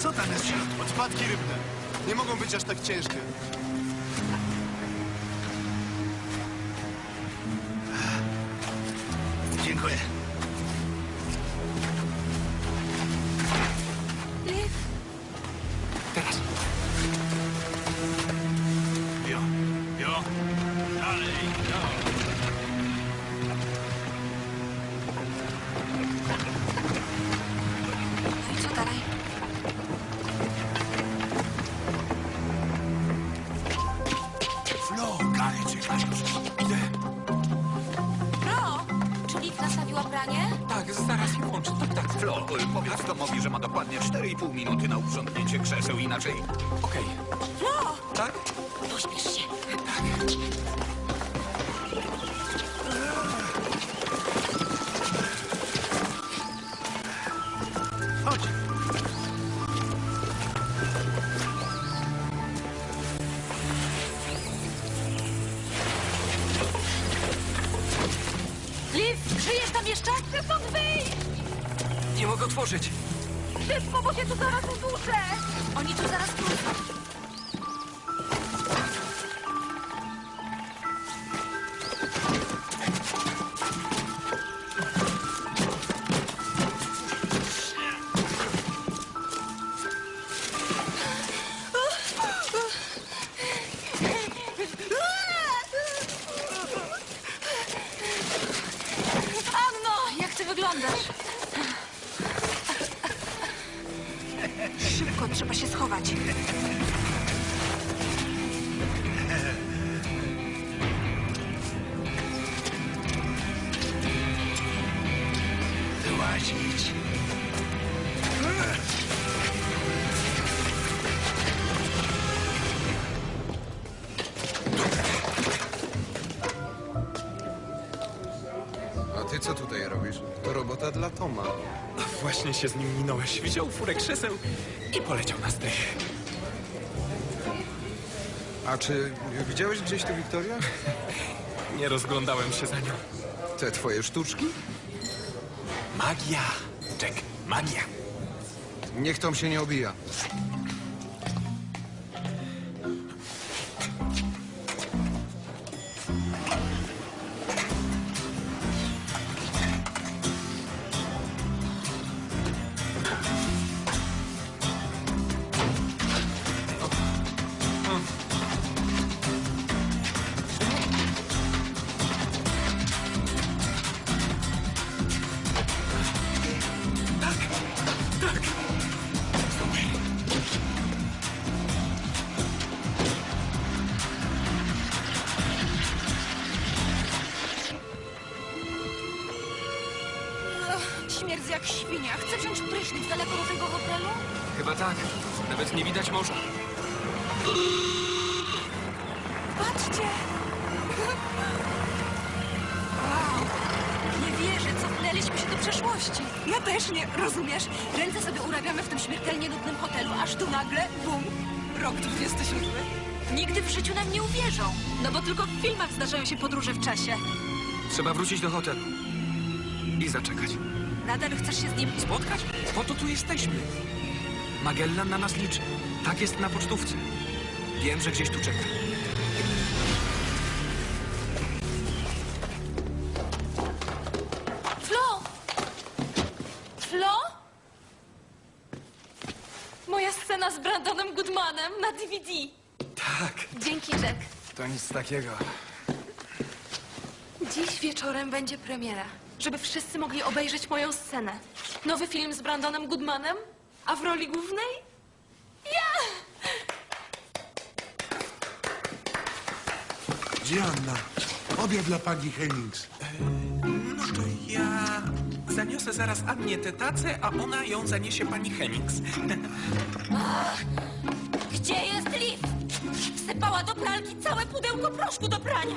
Co tam jest w środku? Odpadki rybne. Nie mogą być aż tak ciężkie. Dziękuję. Liv, Teraz. Jo, jo. Dalej, jo. no i co dalej? Flo, Gary, czekaj już. Idę. Bro, czy Liv nastawiła pranie? Tak, zaraz je włączę. Tak. Flo, powiedz Tomowi, że ma dokładnie 4,5 minuty na uprzątnięcie krzeseł, inaczej... Okej. Bro, Tak? pośpiesz się. Chodź. Liv, żyjesz tam jeszcze? Chcę stąd wyjść! Nie mogę otworzyć. Szybko, bo się tu zaraz uduszę! Oni tu zaraz wrócą. Anno, jak ty wyglądasz? Szybko, trzeba się schować. Wyłazić. A ty co tutaj robisz? To robota dla Toma. Właśnie się z nim minąłeś. Wziął furę krzeseł i poleciał na strych. A czy widziałeś gdzieś tu Wiktoria? Nie rozglądałem się za nią. Te twoje sztuczki? Magia. Jack, magia. Niech Tom się nie obija. Śmierdzę jak świnia. Chcę wziąć prysznic daleko do tego hotelu? Chyba tak. Nawet nie widać morza. Patrzcie! Wow! Nie wierzę, cofnęliśmy się do przeszłości. Ja też nie, rozumiesz? Ręce sobie urabiamy w tym śmiertelnie nudnym hotelu, aż tu nagle, bum, rok 27. Nigdy w życiu nam nie uwierzą. No bo tylko w filmach zdarzają się podróże w czasie. Trzeba wrócić do hotelu. I zaczekać. Nadal chcesz się z nim... Spotkać? Po to tu jesteśmy. Magellan na nas liczy. Tak jest na pocztówce. Wiem, że gdzieś tu czeka. Flo! Flo? Moja scena z Brandonem Goodmanem na DVD. Tak. Dzięki, Jack. To nic takiego. Dziś wieczorem będzie premiera, żeby wszyscy mogli obejrzeć moją scenę. Nowy film z Brandonem Goodmanem, a w roli głównej ja! Gdzie Anna? Obiad dla pani Hennings. No to ja zaniosę zaraz Annie tę tacę, a ona ją zaniesie pani Hennings. Gdzie jest Liv? Wsypała do pralki całe pudełko proszku do prania.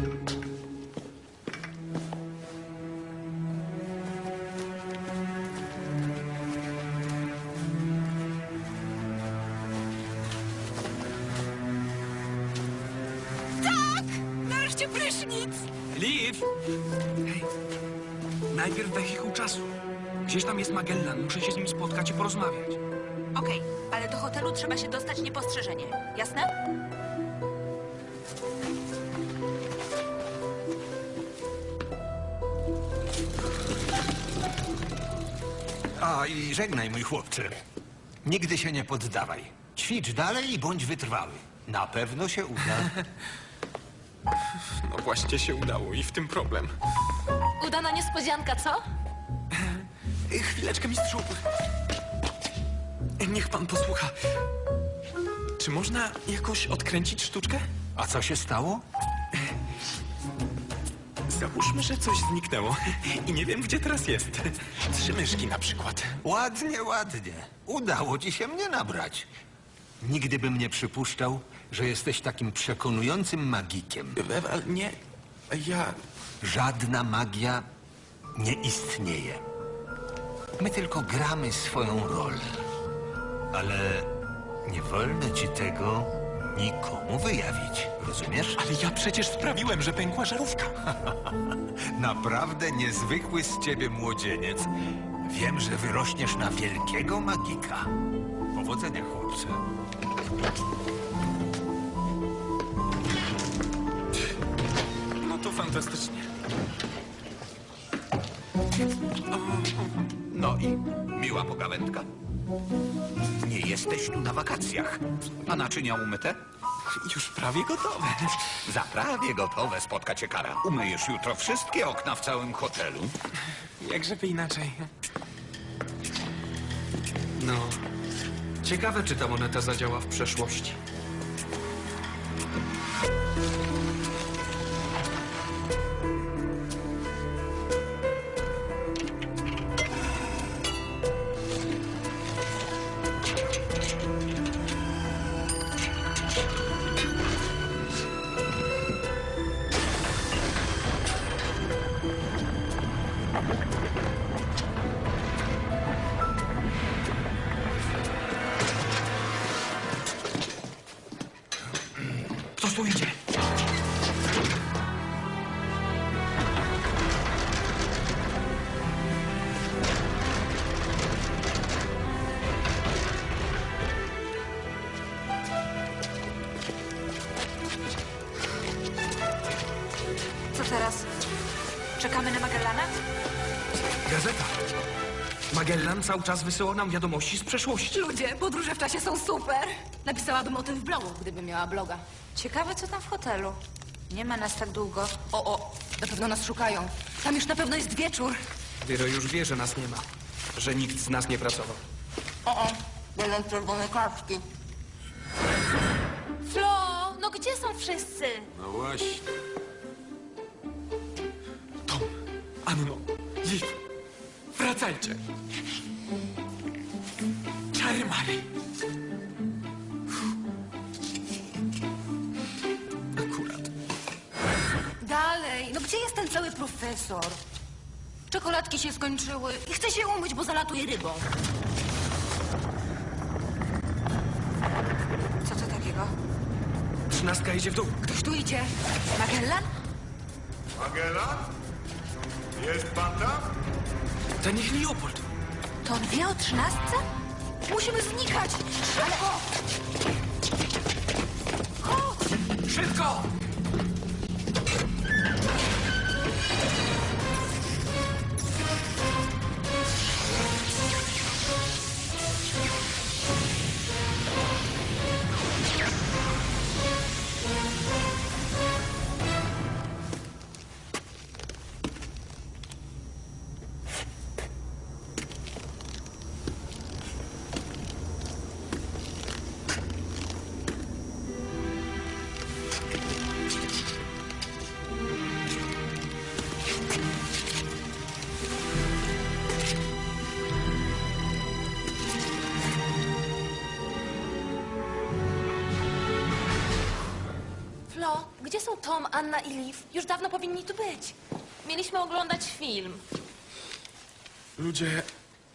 Tak! Nareszcie prysznic! Liv! Hej, najpierw wehikuł czasu. Gdzieś tam jest Magellan. Muszę się z nim spotkać i porozmawiać. Okej, ale do hotelu trzeba się dostać niepostrzeżenie. Jasne? A i żegnaj, mój chłopcze. Nigdy się nie poddawaj. Ćwicz dalej i bądź wytrwały. Na pewno się uda. No właśnie się udało i w tym problem. Udana niespodzianka, co? Chwileczkę, mistrzu. Niech pan posłucha. Czy można jakoś odkręcić sztuczkę? A co się stało? Załóżmy, że coś zniknęło i nie wiem, gdzie teraz jest. 3 myszki na przykład. Ładnie, ładnie. Udało ci się mnie nabrać. Nigdy bym nie przypuszczał, że jesteś takim przekonującym magikiem. Ale nie, ja... Żadna magia nie istnieje. My tylko gramy swoją rolę. Ale nie wolno ci tego nikomu wyjawić. Rozumiesz? Ale ja przecież sprawiłem, że pękła żarówka. Naprawdę niezwykły z ciebie młodzieniec. Wiem, że wyrośniesz na wielkiego magika. Powodzenia, chłopcze. No to fantastycznie. No i miła pogawędka. Nie jesteś tu na wakacjach. A naczynia umyte? Już prawie gotowe. Za prawie gotowe spotka cię kara. Umyjesz jutro wszystkie okna w całym hotelu. Jak żeby inaczej. No. Ciekawe, czy ta moneta zadziała w przeszłości. Ktoś tu idzie. Co teraz? Czekamy na Magellana? Gazeta. Magellan cały czas wysyła nam wiadomości z przeszłości. Ludzie, podróże w czasie są super. Napisałabym o tym w blogu, gdybym miała bloga. Ciekawe, co tam w hotelu. Nie ma nas tak długo. O, na pewno nas szukają. Tam już na pewno jest wieczór. Wiero już wie, że nas nie ma. Że nikt z nas nie pracował. Będą czerwone kartki. Flo, no gdzie są wszyscy? No właśnie. Tom, Anno, Liv, wracajcie. Czary Mary. Akurat. Dalej, no gdzie jest ten cały profesor? Czekoladki się skończyły i chcę się umyć, bo zalatuje rybą. Co to takiego? 13 idzie w dół. Ktoś tu idzie. Magellan? Magellan? Jest pan tam? Ten ich Leopold. To on wie o 13? Musimy znikać! Szybko! Chodź! Szybko! Flo, gdzie są Tom, Anna i Liv? Już dawno powinni tu być. Mieliśmy oglądać film. Ludzie...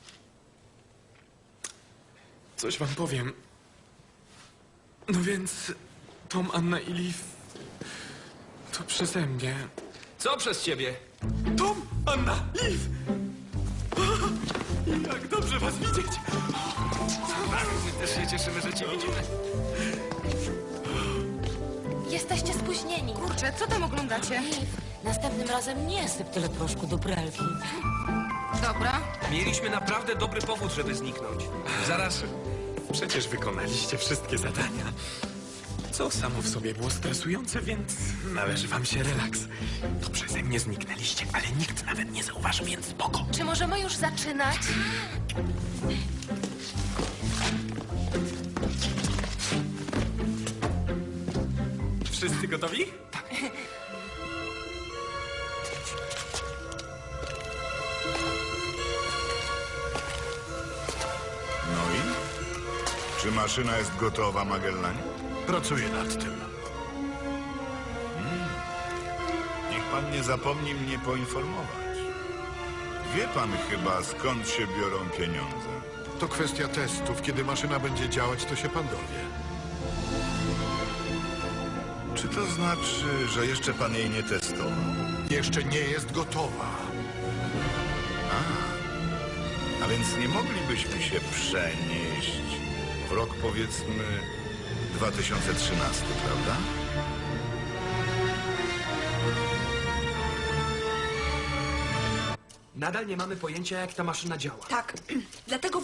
Coś wam powiem. No więc... Tom, Anna i Liv... To przeze mnie. Co przez ciebie? Tom, Anna, Liv! Jak dobrze was widzieć. My też się cieszymy, że cię widzimy. Jesteście spóźnieni. Kurczę, co tam oglądacie? Następnym razem nie syp tyle proszku do pralki. Dobra. Mieliśmy naprawdę dobry powód, żeby zniknąć. Zaraz. Przecież wykonaliście wszystkie zadania. Co samo w sobie było stresujące, więc należy wam się relaks. To przeze mnie zniknęliście, ale nikt nawet nie zauważy, więc spoko. Czy możemy już zaczynać? Wszyscy gotowi? No i? Czy maszyna jest gotowa, Magellanie? Pracuję nad tym. Niech pan nie zapomni mnie poinformować. Wie pan chyba, skąd się biorą pieniądze. To kwestia testów. Kiedy maszyna będzie działać, to się pan dowie. Czy to znaczy, że jeszcze pan jej nie testował? Jeszcze nie jest gotowa. A więc nie moglibyśmy się przenieść w rok, powiedzmy, 2013, prawda? Nadal nie mamy pojęcia, jak ta maszyna działa. Tak, dlatego